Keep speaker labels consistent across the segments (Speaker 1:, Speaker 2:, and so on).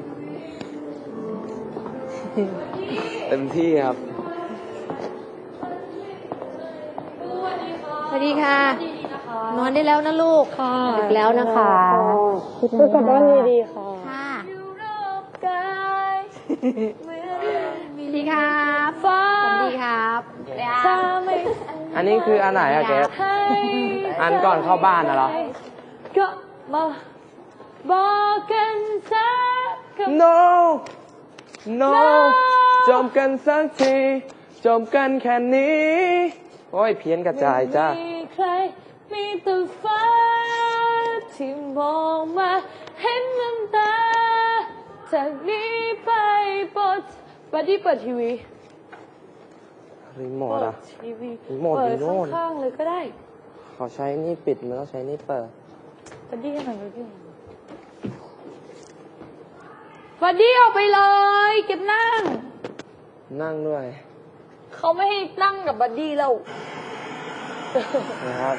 Speaker 1: เต็มที่ครับ
Speaker 2: สวัสดีค่ะนอนได้แล้วนะลูกค่ะดึกแล้วนะคะ
Speaker 3: ก็กลับบ้านดีๆค่ะ
Speaker 2: ค่ะสวัสดีครับสวัสดีครับ
Speaker 1: อันนี้คืออันไหนอะเกฟอันก่อนเข้าบ้านนะเหรอ
Speaker 3: ก็มาบอกกันสัก
Speaker 1: no no จบกันสักทีจบกันแค่นี้โอ้ยเพี้ยนกระจายจ้า
Speaker 3: มีใครมีแต่ฟ้าที่มองมาเห็นน้ำตาจากนี้ไปปลดบัดดี้เปิดทีวี
Speaker 1: รีโมท
Speaker 3: เปิ
Speaker 1: อะ
Speaker 3: ดทีวี
Speaker 1: รีโมทอยู่โน่น
Speaker 3: ข้างๆเลยก็ได้
Speaker 1: ขอใช้นี่ปิดมันต้องใช้นี่เปิด
Speaker 3: บัดดี้ให้หน่อยบัดดี้บัดดี้ออกไปเลยเก็บนั่ง
Speaker 1: นั่งด้วย
Speaker 3: เขาไม่ให้นั่งกับบัดดี้แล้ว
Speaker 1: นะครับ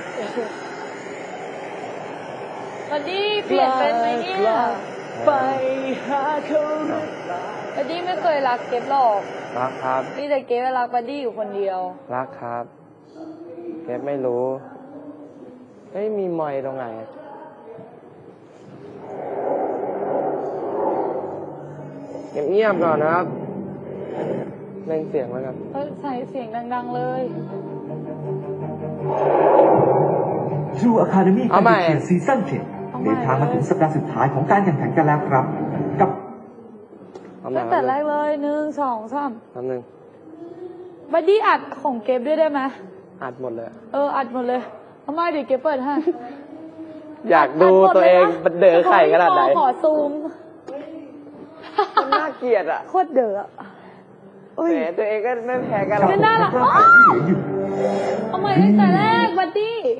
Speaker 3: บัดดี้เปลี่ยนเป็นไหมเนี่ยไปหาเขาบัดดี้ไม่เคยรักเก็บหรอก
Speaker 1: รักครับ
Speaker 3: นี่แต่เก็บรักบัดดี้อยู่คนเดียว
Speaker 1: รักครับเกฟไม่รู้เฮ้ยมีไมค์ตรงไหนเงียบๆก่อนนะครับเล่นเสียงแล้วกัน
Speaker 3: ใส่เสียงดังๆเลย
Speaker 4: True Academy
Speaker 1: เอาใหม่
Speaker 4: การเขียนซีซั่น7เดินทางมาถึงสัปดาห์สุดท้ายของการแข่งขันกันแล้วครับ กับ
Speaker 1: เอาใหม่
Speaker 3: ตั้งแต่แรกเลย1 2 3
Speaker 1: แป๊บนึง
Speaker 3: บัดดี้อัดของเก็บด้วยได้ไหม
Speaker 1: อัดหมดเลย
Speaker 3: อัดหมดเลยทำไมเดี๋ยวเก็บเปิดให้
Speaker 1: อยากดูตัวเองมันเด๋อไข่ขนาดไหน
Speaker 3: ขอซูม
Speaker 1: มันน่าเกลียดอ่ะ
Speaker 3: โคตรเด๋อ
Speaker 1: แหมตัวเองก็ไม่แพ้กันหรอก
Speaker 3: ไม่น่ารัก
Speaker 4: รอบที่เหลืออยู่
Speaker 3: เอาใหม่ตั้งแต่แรกบัดดี้